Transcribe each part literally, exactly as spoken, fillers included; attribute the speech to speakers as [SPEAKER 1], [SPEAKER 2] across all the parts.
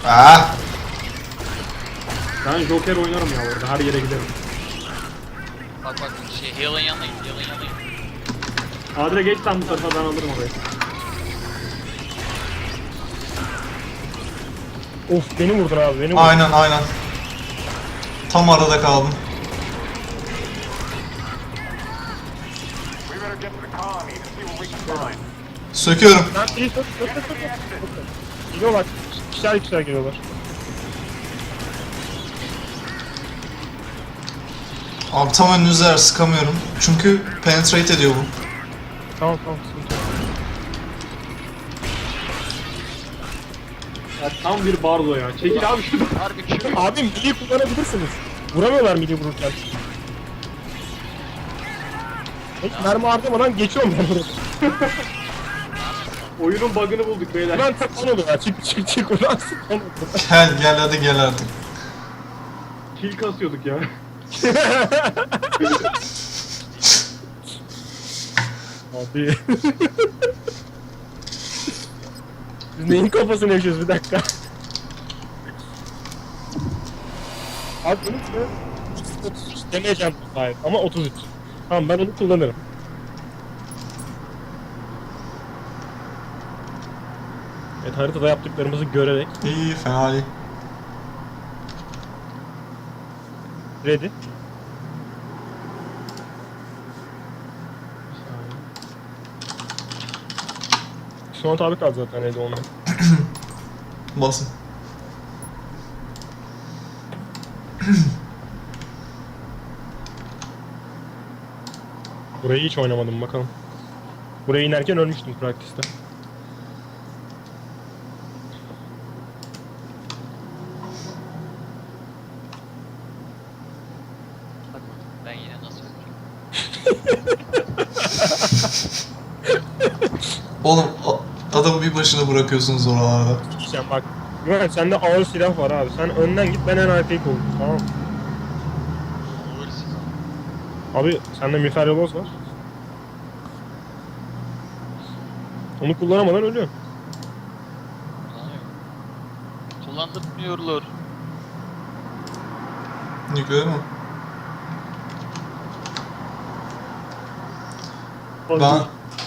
[SPEAKER 1] Ah!
[SPEAKER 2] Ben Joker oynarım ya orada, her yere giderim.
[SPEAKER 3] Bak bak şey Heal'ın yanına git, Heal'ın yanına git.
[SPEAKER 2] Adre geç sen bu tarafa, ben alırım orayı.
[SPEAKER 4] Of beni vurdun abi beni vurdun.
[SPEAKER 1] Aynen aynen. Tam arada kaldım. Söküyorum.
[SPEAKER 4] Ben iyi tut tut tut tut. Geliyorlar. Kişiler kişiler geliyorlar.
[SPEAKER 1] Abi tam önünüzde sıkamıyorum. Çünkü penetrate ediyor bu.
[SPEAKER 4] Tamam tamam sıkıntı yok.
[SPEAKER 2] Ya tam bir barzo ya. Çekil abi şuradan.
[SPEAKER 3] Harbi Q.
[SPEAKER 4] Abi midi kullanabilirsiniz. Vuramıyorlar midi vururken. Hiç mermi harcamadan geçiyorum ben orada.
[SPEAKER 2] Oyunun bug'ını bulduk beyler.
[SPEAKER 4] Ben tek son oluyor ya. Çık çık çık ulan sık onu.
[SPEAKER 1] Gel gel hadi gel artık.
[SPEAKER 2] Kill kasıyorduk ya.
[SPEAKER 4] Abi. Biz neyin kafasını yaşıyoruz bir dakika. Abi bunu da otuz üç demeyeceğim sahip ama otuz üç. Tamam ben onu kullanırım. Evet haritada yaptıklarımızı görerek
[SPEAKER 1] İyi fena değil.
[SPEAKER 4] ready. Son tabi kaldı zaten ready onunla.
[SPEAKER 1] Basın.
[SPEAKER 4] Burayı hiç oynamadım bakalım. Buraya inerken ölmüştüm praktiste.
[SPEAKER 3] Bak ben yine nasıl öldüreyim?
[SPEAKER 1] Oğlum a- adamı bir başına bırakıyorsunuz oralarda.
[SPEAKER 4] Diyeceğim bak. Güven sende ağır silah var abi. Sen önden git ben en arkayı koyayım. Tamam mı?
[SPEAKER 3] Uğursuz.
[SPEAKER 4] Abi sende miğfer yoloz var. Onu kullanamadan ölüyor.
[SPEAKER 3] Kullanıyor. Kullandırmıyorlar.
[SPEAKER 1] Nükleer mi?
[SPEAKER 2] Hadi.
[SPEAKER 1] Ben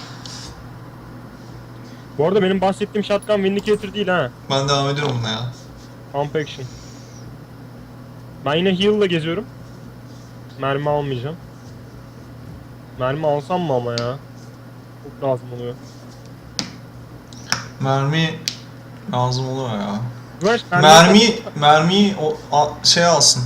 [SPEAKER 4] Bu arada benim bahsettiğim shotgun Vindicator değil ha.
[SPEAKER 1] ben devam ediyorum buna ya.
[SPEAKER 4] Pump action. Ben yine heal'la geziyorum. Mermi almayacağım. Mermi alsam mı ama ya? Çok lazım oluyor.
[SPEAKER 1] Mermi lazım oluyor ya.
[SPEAKER 4] Güvenç,
[SPEAKER 1] Mermi mermiyi o a- şey alsın.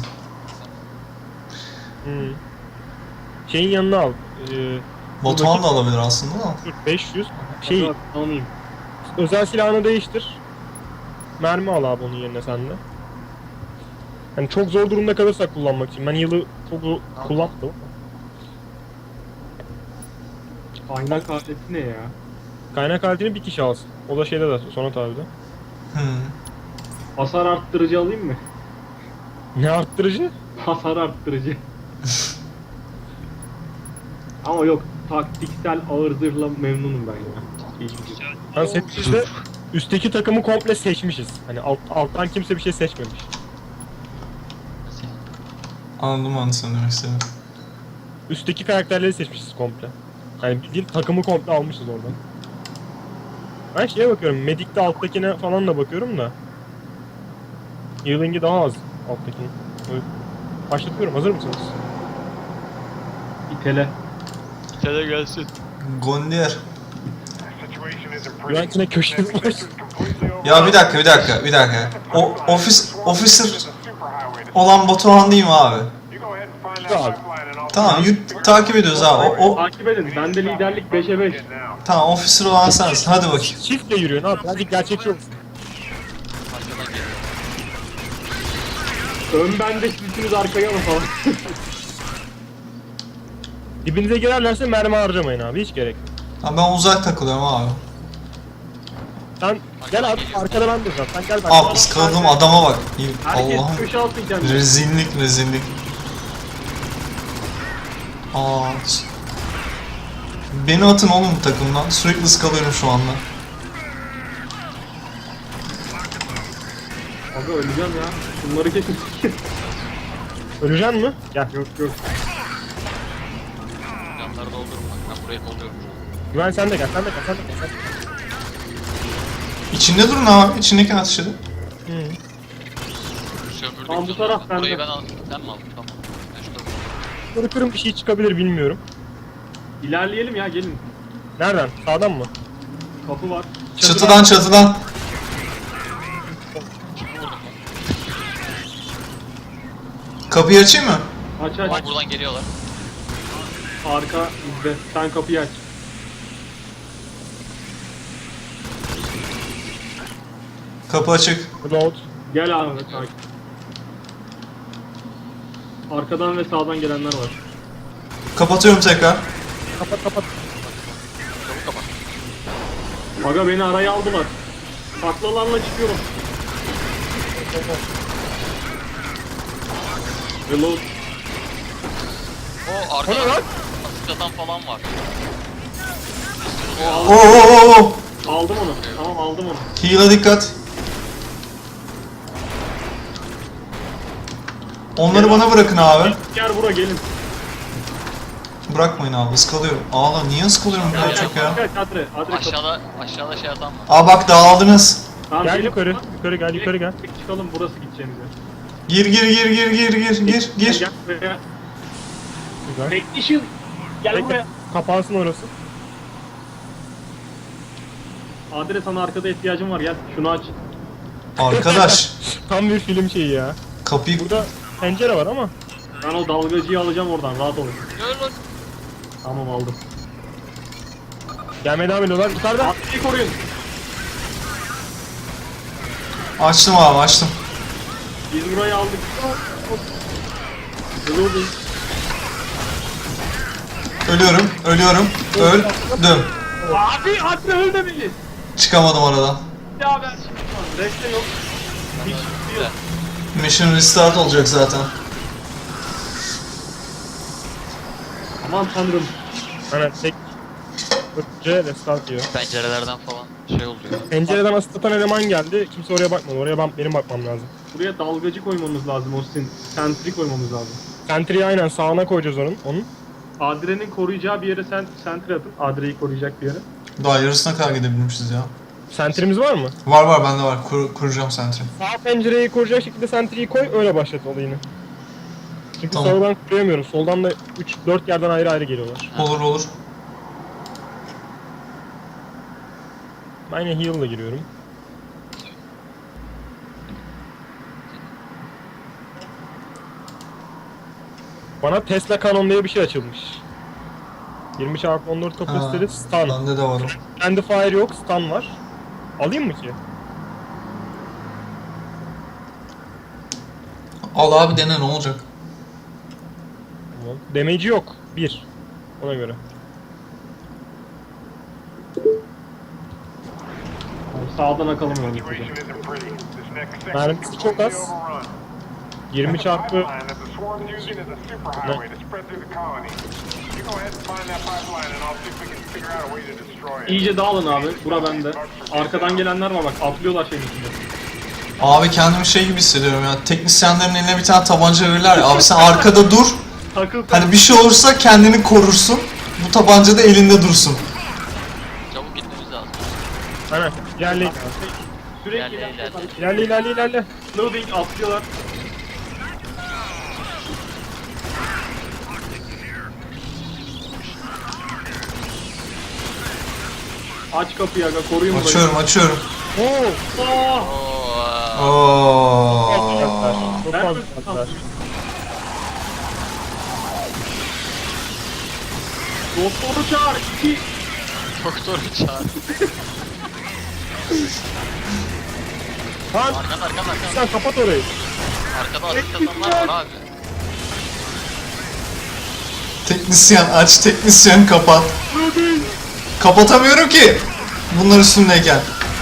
[SPEAKER 4] Hmm. Şeyin yanına al. Ee,
[SPEAKER 1] Batuhan da alabilir aslında da.
[SPEAKER 4] dur, beş yüz. Şey,
[SPEAKER 2] Hadi almayayım.
[SPEAKER 4] özel silahını değiştir. Mermi al abi onun yerine sen de. Yani çok zor durumda kalırsak kullanmak için. Ben yılı çok zor kullanmadım.
[SPEAKER 2] Kaynak aleti ne ya?
[SPEAKER 4] Kaynak aletini bir kişi alsın. O da şeyde de sonra tabi de.
[SPEAKER 1] Hmm.
[SPEAKER 2] Hasar arttırıcı alayım mı?
[SPEAKER 4] Ne arttırıcı?
[SPEAKER 2] Hasar arttırıcı. Ama yok, taktiksel ağır zırhla memnunum ben ya. İyi.
[SPEAKER 4] Ben setimizde üstteki takımı komple seçmişiz. Hani alt, alttan kimse bir şey seçmemiş.
[SPEAKER 3] Nasıl yani?
[SPEAKER 1] Anladım ben sen demek istedim.
[SPEAKER 4] Üstteki karakterleri seçmişiz komple. Hani bildiğin takımı komple almışız oradan. Ben şeye bakıyorum, Medic'te alttakine falan da bakıyorum da. Healing'i daha az alttakinin. Böyle başlatıyorum, hazır mısınız?
[SPEAKER 2] İtele.
[SPEAKER 3] İtele gelsin.
[SPEAKER 1] Gondier.
[SPEAKER 4] Güvencine köşesi var.
[SPEAKER 1] Ya bir dakika bir dakika bir dakika. O ofis officer olan Batuhan değil mi abi?
[SPEAKER 4] Abi.
[SPEAKER 1] Tamam yürü, takip ediyoruz abi. O, o
[SPEAKER 2] Takip edin, bende liderlik beşe beş.
[SPEAKER 1] tamam officer olan sensin. Hadi bakayım.
[SPEAKER 4] Çiftle yürüyorsun abi, birazcık gerçekçi olsun.
[SPEAKER 3] Arkadan geliyor.
[SPEAKER 2] Ön bende, siz üçünüz arkaya mı falan?
[SPEAKER 4] Dibinize girerlerse mermi harcamayın abi, hiç gerek yok.
[SPEAKER 1] Ha, ben uzak takılıyorum abi.
[SPEAKER 4] Sen gel abi, arkada ben duracağım. Sen gel ben.
[SPEAKER 1] Abi ıskaladım adama bak. İyi,
[SPEAKER 2] Herkes
[SPEAKER 1] Allah'ım.
[SPEAKER 2] köşe altı kendini.
[SPEAKER 1] Rezillik rezillik. Aa. Beni atın oğlum bu takımdan. Sürekli ıskalıyorum şu anda.
[SPEAKER 2] Aga öleceğim ya. Bunları kesin.
[SPEAKER 4] Öleceksin mi? Gel.
[SPEAKER 2] Yok yok.
[SPEAKER 3] Canları doldurun bak. Ben burayı dolduruyorum.
[SPEAKER 4] Güven sen de gel, sen de gel, sen de gel. Sen de gel.
[SPEAKER 1] İçinde durun abi. İçindeki ateş edin.
[SPEAKER 4] Hı.
[SPEAKER 3] Sömürdük.
[SPEAKER 2] Tamam, bu
[SPEAKER 3] canım.
[SPEAKER 2] taraf bende.
[SPEAKER 3] Burayı ben aldım. Sen mi aldın? Tamam. Ben şurada.
[SPEAKER 4] Böyle kırım bir şey çıkabilir bilmiyorum.
[SPEAKER 2] İlerleyelim ya gelin.
[SPEAKER 4] Nereden? Sağdan mı?
[SPEAKER 2] Kapı var.
[SPEAKER 1] Çatıdan çatıdan.
[SPEAKER 3] Kimi vurdum lan?
[SPEAKER 1] Kapıyı açayım mı?
[SPEAKER 2] Aç aç.
[SPEAKER 3] Bak buradan geliyorlar.
[SPEAKER 2] Arka bizde. Sen kapıyı aç.
[SPEAKER 1] Kapı açık.
[SPEAKER 4] Reload.
[SPEAKER 2] Gel abi takip. Arkadan ve sağdan gelenler var.
[SPEAKER 1] Kapatıyorum tekrar.
[SPEAKER 4] Kapat kapat.
[SPEAKER 3] Çabuk kapat.
[SPEAKER 2] Aga beni araya aldılar. Taklalarla çıkıyorum. Reload.
[SPEAKER 3] O arkada atık atan falan var.
[SPEAKER 1] Oo oo oo.
[SPEAKER 2] Aldım onu. Tamam aldım onu.
[SPEAKER 1] Heal'a dikkat. Onları bana bırakın abi.
[SPEAKER 2] Gel bura gelin.
[SPEAKER 1] Bırakmayın abi, ıskalıyorum. Ağla, niye ıskalıyorum bu kadar çok ya?
[SPEAKER 2] Gel Adre. Adre kapı.
[SPEAKER 3] Aşağıda aşağıda şey atan var.
[SPEAKER 1] Aa bak dağıldınız.
[SPEAKER 2] Tamam,
[SPEAKER 4] Gel
[SPEAKER 2] gelin.
[SPEAKER 4] yukarı. Yukarı gel, yukarı gel.
[SPEAKER 2] Direkt Çıkalım burası gideceğimiz yer.
[SPEAKER 1] Gir gir gir gir gir gir gir gir.
[SPEAKER 2] Gel buraya.
[SPEAKER 4] Güzel.
[SPEAKER 2] Technician. Gel
[SPEAKER 4] Bekle.
[SPEAKER 2] buraya.
[SPEAKER 4] Kapansın orası.
[SPEAKER 2] Adre sana arkada ihtiyacım var gel. Şunu aç.
[SPEAKER 1] Arkadaş,
[SPEAKER 4] Tam bir film şeyi ya.
[SPEAKER 1] kapıyı...
[SPEAKER 4] Burada pencere var ama.
[SPEAKER 2] Ben o dalgacıyı alacağım oradan rahat olun.
[SPEAKER 3] Gel lan.
[SPEAKER 2] Tamam aldım.
[SPEAKER 4] Gelmeye devam ediyorlar. Yukarıda.
[SPEAKER 2] Adre'yi koruyun.
[SPEAKER 1] Açtım abi, açtım.
[SPEAKER 2] Biz burayı aldık. Reloading.
[SPEAKER 1] Ölüyorum, ölüyorum. Öldüm.
[SPEAKER 2] Abi Adre öldü beni.
[SPEAKER 1] Çıkamadım aradan.
[SPEAKER 2] Ya ben Reste yok. Hiç yok.
[SPEAKER 1] Mission restart olacak zaten.
[SPEAKER 2] Aman tanrım.
[SPEAKER 4] Aynen tek. Önce restart diyor.
[SPEAKER 3] Pencerelerden falan şey oluyor.
[SPEAKER 4] Pencereden ısıtan eleman geldi. Kimse oraya bakmadı. Oraya ben, benim bakmam lazım.
[SPEAKER 2] Buraya dalgacı koymamız lazım Austin. Sentry koymamız lazım.
[SPEAKER 4] Sentry'yi aynen sağına koyacağız onun. onun.
[SPEAKER 2] Adre'nin koruyacağı bir yere sen sentry atın. Adre'yi koruyacak bir yere.
[SPEAKER 1] Daha yarısına kadar gidebilmişiz ya.
[SPEAKER 4] Sentry'miz var mı?
[SPEAKER 1] Var var, bende var. Kur, kuracağım sentry.
[SPEAKER 4] Sağ pencereyi koruyacak şekilde sentry'yi koy. Öyle başlat olayını. Çünkü
[SPEAKER 1] Tamam.
[SPEAKER 4] sağdan koruyamıyoruz. Soldan da üç dört yerden ayrı ayrı geliyorlar.
[SPEAKER 1] Olur olur.
[SPEAKER 4] Ben yine heal'la giriyorum. Bana Tesla Canon diye bir şey açılmış. yirmi çarpı on dört kapasiteli stun.
[SPEAKER 1] Bende de var o.
[SPEAKER 4] Kendi fire yok, stun var. Alayım mı ki?
[SPEAKER 1] Al abi, dene, ne olacak?
[SPEAKER 4] Tamam. Damage'i yok. bir. Ona göre.
[SPEAKER 2] Yani sağdan akalım yani.
[SPEAKER 4] Mermisi çok az. yirmi çarpı
[SPEAKER 2] İyice dağılın abi. Bura bende. Arkadan gelenler var bak. Atlıyorlar şeyin içinde.
[SPEAKER 1] Abi kendimi şey gibi hissediyorum ya. Teknisyenlerin eline bir tane tabanca verirler ya. Abi sen arkada dur.
[SPEAKER 2] Takıl sen.
[SPEAKER 1] Hani bir şey olursa kendini korursun. Bu tabanca da elinde dursun.
[SPEAKER 3] Çabuk gitmemiz lazım.
[SPEAKER 4] Aynen. İlerle.
[SPEAKER 2] Sürekli
[SPEAKER 3] İlerle, ilerle.
[SPEAKER 4] İlerle ilerle ilerle.
[SPEAKER 2] Loading atlıyorlar. Aç kapıyı aga koruyun burayı.
[SPEAKER 1] Açıyorum, açıyorum.
[SPEAKER 4] Oo.
[SPEAKER 2] Oh!
[SPEAKER 3] Oo.
[SPEAKER 1] Oo.
[SPEAKER 4] Çok
[SPEAKER 2] Ben
[SPEAKER 4] fazla
[SPEAKER 2] mi-
[SPEAKER 4] atlar.
[SPEAKER 2] Doktoru çağır. İki.
[SPEAKER 3] Doktoru çağır.
[SPEAKER 4] Lan
[SPEAKER 3] Arkanda arkanda arkanda.
[SPEAKER 4] sen kapat orayı.
[SPEAKER 3] Arkada atık atanlar var abi.
[SPEAKER 1] Teknisyen aç, teknisyen kapat. Kapatamıyorum ki. Bunlar üstündeyken.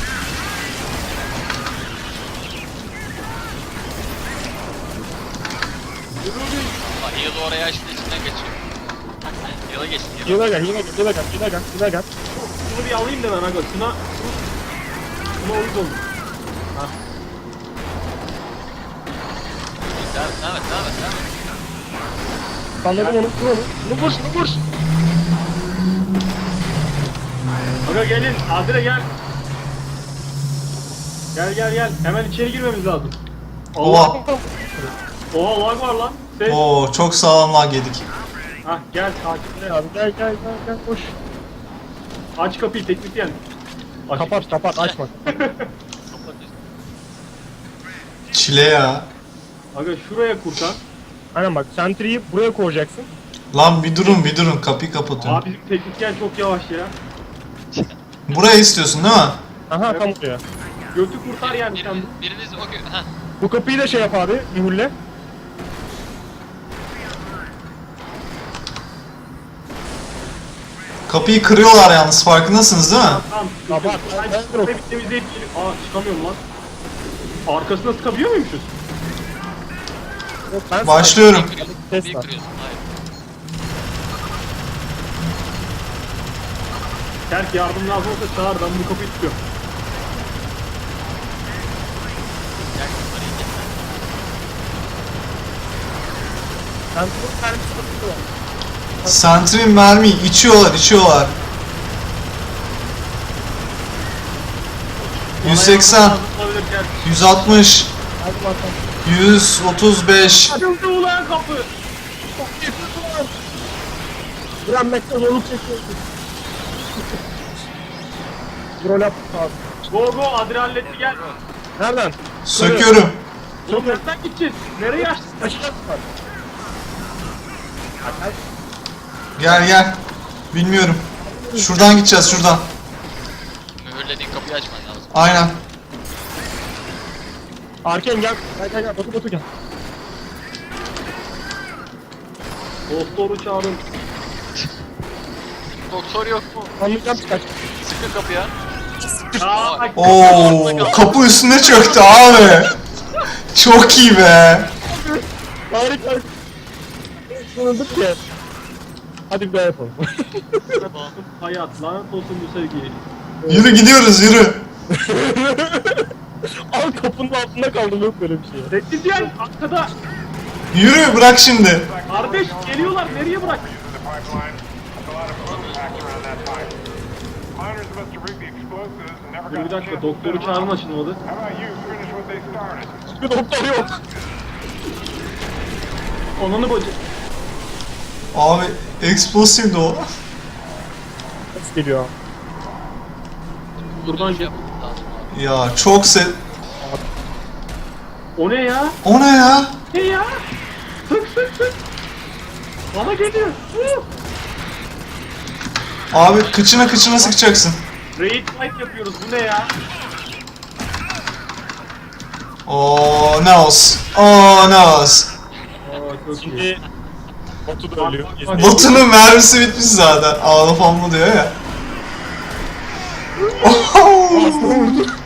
[SPEAKER 3] Bak Heal'ı oraya açtı içinden geçiyor. Heal'a geçti. Heal'a.
[SPEAKER 4] Heal'a gel, heal'a gel, heal'a gel, heal'a gel, heal'a gel.
[SPEAKER 2] Şunu bir alayım da ben aga. Şuna... Şuna uyuz oldum.
[SPEAKER 3] Devam et, devam et, devam et, devam et.
[SPEAKER 4] Anladım onu, vur onu. Bunu vur, şunu vur.
[SPEAKER 2] Aga gelin. Adile gel. Gel gel gel. Hemen içeri girmemiz lazım.
[SPEAKER 1] Oha.
[SPEAKER 2] Oha lag var lan. Ses.
[SPEAKER 1] Oo çok sağlam lag yedik.
[SPEAKER 2] Hah gel takiple.
[SPEAKER 4] Abi gel gel gel gel koş.
[SPEAKER 2] Aç kapıyı teknisyen. Aç.
[SPEAKER 4] Kapat kapat açma.
[SPEAKER 3] Kapat üstü.
[SPEAKER 1] Çile ya.
[SPEAKER 2] Aga şuraya kurtar.
[SPEAKER 4] Aynen bak sentry'yi buraya koyacaksın.
[SPEAKER 1] Lan bir durun bir durun kapıyı kapatıyorum.
[SPEAKER 2] Abi bizim teknisyen çok yavaş ya.
[SPEAKER 1] Buraya istiyorsun değil mi?
[SPEAKER 4] Aha tam oraya.
[SPEAKER 2] Götü kurtar yani sen.
[SPEAKER 3] Biriniz, biriniz o gö- Heh.
[SPEAKER 4] Bu kapıyı da şey yap abi, mühürle.
[SPEAKER 1] Kapıyı kırıyorlar yalnız farkındasınız değil mi?
[SPEAKER 2] Tamam.
[SPEAKER 4] Kapat.
[SPEAKER 2] Ben çıkmayı temizleyip gelip. Aa çıkamıyorum lan. Arkasına sıkabiliyor muymuşuz?
[SPEAKER 4] Yok, ben
[SPEAKER 1] Başlıyorum.
[SPEAKER 3] Kırıyorsun,
[SPEAKER 4] Test
[SPEAKER 3] bir
[SPEAKER 4] var.
[SPEAKER 3] kırıyorsun. Hayır.
[SPEAKER 2] Terk yardım lazım olsa çağır, ben bu kapıyı tutuyorum.
[SPEAKER 3] Gel bunları indir.
[SPEAKER 4] Sentry'nin mermisi kapısı var.
[SPEAKER 1] Sentry mermiyi içiyorlar içiyorlar. yüz seksen,
[SPEAKER 2] Bana yardım lazım olabilir, gel.
[SPEAKER 1] yüz altmış,
[SPEAKER 4] Hadi bakalım.
[SPEAKER 1] yüz otuz beş.
[SPEAKER 2] Açıldı ulan kapı.
[SPEAKER 4] Direnmekte zorluk çekiyorsun. Rol yaptık abi.
[SPEAKER 2] Go go Adil halletti gel.
[SPEAKER 4] Nereden?
[SPEAKER 1] Söküyorum.
[SPEAKER 2] Oğlum nereden gideceğiz? Nereye açtın?
[SPEAKER 4] Aşağı var.
[SPEAKER 1] Gel gel. Bilmiyorum. Şuradan gideceğiz şuradan.
[SPEAKER 3] Mühürlediğin kapıyı açman lazım.
[SPEAKER 1] Aynen.
[SPEAKER 4] Arken gel. Gel gel gel. Batu Batu gel.
[SPEAKER 2] Doktoru çağırın.
[SPEAKER 3] Doktor yok mu?
[SPEAKER 4] Anlayacağım kaç.
[SPEAKER 3] Sıkın kapıya.
[SPEAKER 2] Aa, bak.
[SPEAKER 1] Oo, kapı üstüne çöktü abi. Çok iyi be.
[SPEAKER 4] Harika. Sınırdık ki. Hadi bir daha yapalım.
[SPEAKER 2] Hayat lanet olsun bu sevgi.
[SPEAKER 1] Yürü gidiyoruz yürü.
[SPEAKER 4] Al kapının altında kaldım, yok böyle bir şey.
[SPEAKER 2] Teknisyen arkada.
[SPEAKER 1] Yürü bırak şimdi.
[SPEAKER 2] Kardeş geliyorlar, nereye bırak? Dur bir dakika, doktoru çağırma açılmadı.
[SPEAKER 4] Bir doktor yok.
[SPEAKER 2] Ananı bacı.
[SPEAKER 1] Abi explosivdi o.
[SPEAKER 4] Ses geliyor.
[SPEAKER 2] Buradan gel.
[SPEAKER 3] Yapmamız lazım abi.
[SPEAKER 1] Ya çok se...
[SPEAKER 2] O ne ya?
[SPEAKER 1] O ne ya?
[SPEAKER 2] Ne ya? Sık sık sık. Bana geliyor. Huh!
[SPEAKER 1] Abi kıçına kıçına sıkacaksın.
[SPEAKER 2] Raid fight yapıyoruz, bu ne ya?
[SPEAKER 1] Oo nos. Oo nos.
[SPEAKER 2] Aa çok iyi.
[SPEAKER 4] Şimdi Batu da ölüyor.
[SPEAKER 2] Bak, bak, bak.
[SPEAKER 1] Botunun mermisi bitmiş zaten. Ağla famlı diyor ya. Oho!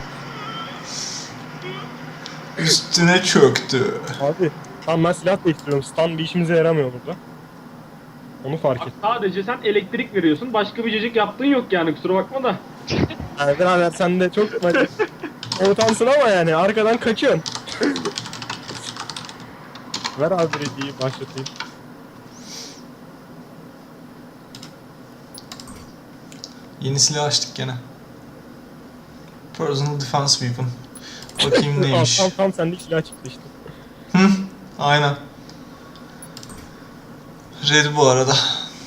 [SPEAKER 1] Üstüne çöktü.
[SPEAKER 4] Abi tamam, ben silah değiştiriyorum. Stun bir işimize yaramıyor burada. Onu fark
[SPEAKER 2] Bak,
[SPEAKER 4] et.
[SPEAKER 2] sadece sen elektrik veriyorsun, başka bir cacık yaptığın yok yani, kusura bakma da.
[SPEAKER 4] Yani birader sen de çok hani, ortansın ama yani arkadan kaçıyorsun. Ver abi ready'yi başlatayım.
[SPEAKER 1] Yeni silah açtık gene. Personal Defense Weapon. Bakayım neymiş.
[SPEAKER 4] Tam tam sende silah çıktı işte.
[SPEAKER 1] Hı, aynen. Red bu arada.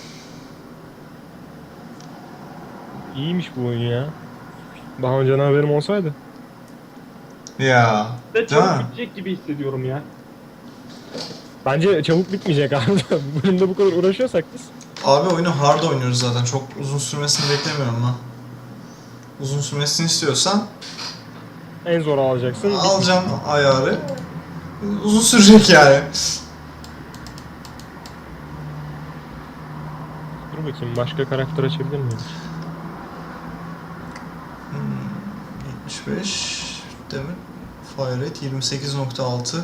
[SPEAKER 4] İyiymiş bu oyun ya. Daha önceden haberim olsaydı.
[SPEAKER 1] Ya.
[SPEAKER 2] Ve
[SPEAKER 1] Değil
[SPEAKER 2] çok
[SPEAKER 1] mi?
[SPEAKER 2] bitecek gibi hissediyorum ya.
[SPEAKER 4] Bence çabuk bitmeyecek abi. Bu bölümde bu kadar uğraşıyorsak biz.
[SPEAKER 1] Abi oyunu hard oynuyoruz zaten. Çok uzun sürmesini beklemiyorum ben. Uzun sürmesini istiyorsan
[SPEAKER 4] En zor alacaksın.
[SPEAKER 1] alacaksın ayarı. Uzun sürecek yani.
[SPEAKER 4] Dur bakayım, başka karakter açabilir miyim?
[SPEAKER 1] yetmiş beş değil mi? Fire rate yirmi sekiz nokta altı.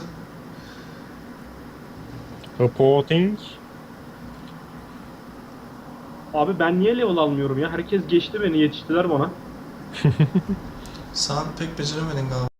[SPEAKER 4] Reporting.
[SPEAKER 2] Abi ben niye level almıyorum ya? Herkes geçti beni, yetiştiler bana.
[SPEAKER 1] Sen pek beceremedin galiba.